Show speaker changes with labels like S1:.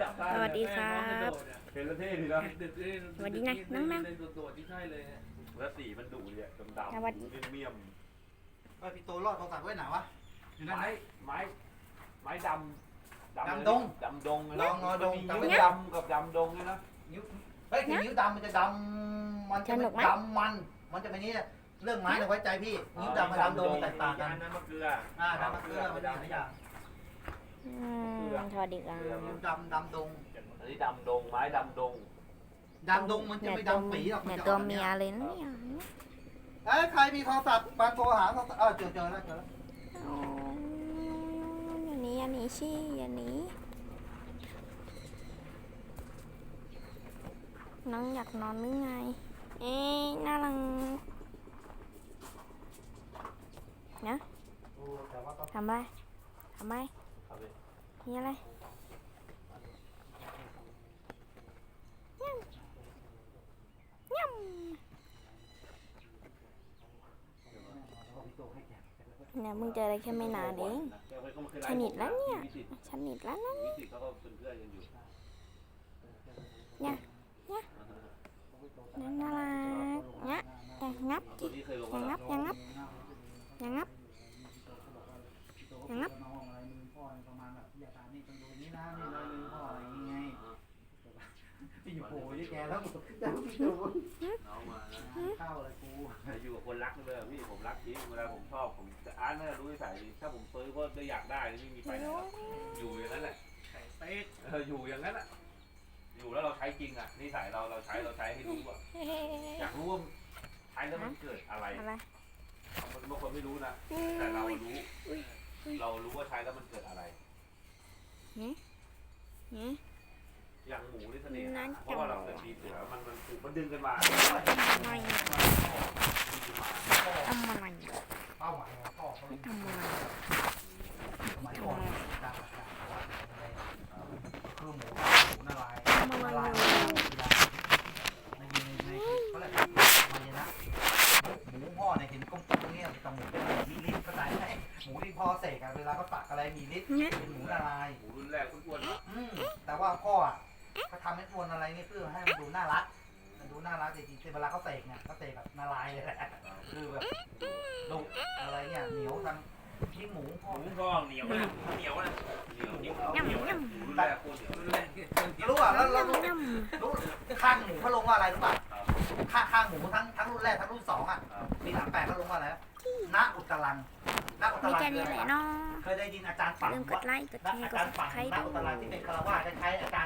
S1: สวัสดีครับ
S2: เห็นแล้วเท่ดีนะ
S1: สวัสดีนะนั่ง
S3: โดดที่ใช่เลยฮะ
S2: แล้วสีมันดุเนี่ยดำ
S1: สวัสดี
S2: ๆเมี่ยม
S4: พี่โตรอดโทรศัพท์ไว้ไหนวะอยู่
S2: ๆ
S4: นั่นไหน
S2: ไม้ดำ
S4: ดำดง
S2: ดำดง
S4: ลองงอดง
S2: นิ้วดำกับดำดงเนี่ยนะ
S4: นิ้วเฮ้ยนิ้วดำมันจะดำมันจะดำมันจะเป็นนี้เรื่องไม้เนี่ยไว้ใจพี่นิ้วดำกับดำดงแตกต่างกัน
S2: น้ำมะเกลือ
S4: ดำมะเกลือมันได้หลายอย่าง
S1: สวัสดีครับ
S4: นิ้วดำดง
S2: อันนี้ดำดงไม้ดำดง
S4: ดำดงมันจะไม่ดำปีหรอก
S1: เนี่ยตัวเมียเลยนะเนี่ย
S4: เอ้ยใครมีโทรศัพท์มาโทรหาโทรศัพท์เจอแล้ว
S1: อ๋ออย่าหนีอย่าหนีชี่อย่าหนีน้องอยากนอนหรือไงเอ๊ะน่ารังนะทำไมมีอะไรย่ำเนี่ยมึงเจออะไรแค่ไม่นานเองชนิดแล้วเนี่ยชนิดแล้วนะ
S2: วิสิตเขาก็เป็นเพื่อนกันอยู่
S1: เนี่ยน่ารักเนี่ยอย่างงับ
S2: ตัวนี้เคยลง
S1: อย่างงับ
S4: น้องอะไรพ่อประมาณแบบอย่าถามนี่ต้องดูนี้นะนี่เลยพ่ออะไรยังไงพี่อยู่โผล่ที่แกแล้วจะพี่ดู
S2: น้องมานะ
S4: เข้าเลยกู
S2: อยู่กับคนรักเลยพี่ผมรักจริงเวลาผมชอบผมจะอาร์ตน่าจะรู้นิสัยดีถ้าผมซื้อก็ได้อยากได้ไม่มีไปไหนหรอกอยู่อย่างนั้นแหละอยู่อย่างนั้นอ่ะอยู่แล้วเราใช้จริงอ่ะนิสัยเราใช้ให้รู้อ่ะอยากรู้ว่าใช้แล้วมันเกิดอะไร
S1: อะไร
S2: มันบางคนไม่รู้นะแต่เรารู้ว่าใช้แล้วมันเกิดอะไรอย่างหมูนี่เสน่ห์เพราะว่าเราเกิดปีเสือมันถูกมันดึงกันมา
S1: ไม่ทำอะไร
S4: เป้าหมายของพ่อเขา
S1: ทำอะไร
S4: สมัยก่อนดังคือหมูนาลายในเขาเรียกมันนะหมูพ่อเนี่ยเห็นกลมๆเนี่ยแต่หมูเป็นมีลิ้นเข้าใจไหมหมูที่พ่อเสกเวลาเขาตักอะไรมีลิ้นเป็นหมูนาลาย
S2: หมูรุ่นแรกอ้วนๆ
S4: แต่ว่าพ่อเขาทำให้ทวนอะไรนี่เพื่อให้มันดูน่ารักจริงๆเวลาเขาเสกเนี่ยเขาเสกแบบนาลายเลยแหละคือแบบดุอะไรเนี่ยเหนียวทั้งยิ่งหมูพ่อ
S2: หมูก็เหนียวนะเหนียวนะเหนียวรุ่นแรกโคตรเหนียว
S4: รู้อ่ะแล้วรู้
S1: ย่
S4: ข้างหมูเขาลงว่าอะไรรู้ป่ะข้างหมูทั้งรุ่นแรกทั้งรุ่น2อ่ะปี38เขาลงว่าอะไรณอุตรังณอุต
S1: มี
S4: รัง
S1: แค่นี้แหละเนาะ
S4: เคยได้ยินอาจารย์ฝัง
S1: ลืมก
S4: ว่า
S1: ดไลค์กดแชร์กด
S4: อาจารย์
S1: ซับ
S4: ฝัง
S1: สไครต์
S4: ณ
S1: ด้
S4: อุตรัง
S1: วย
S4: ที่เป็นคารวะคล้ายๆอาจารย์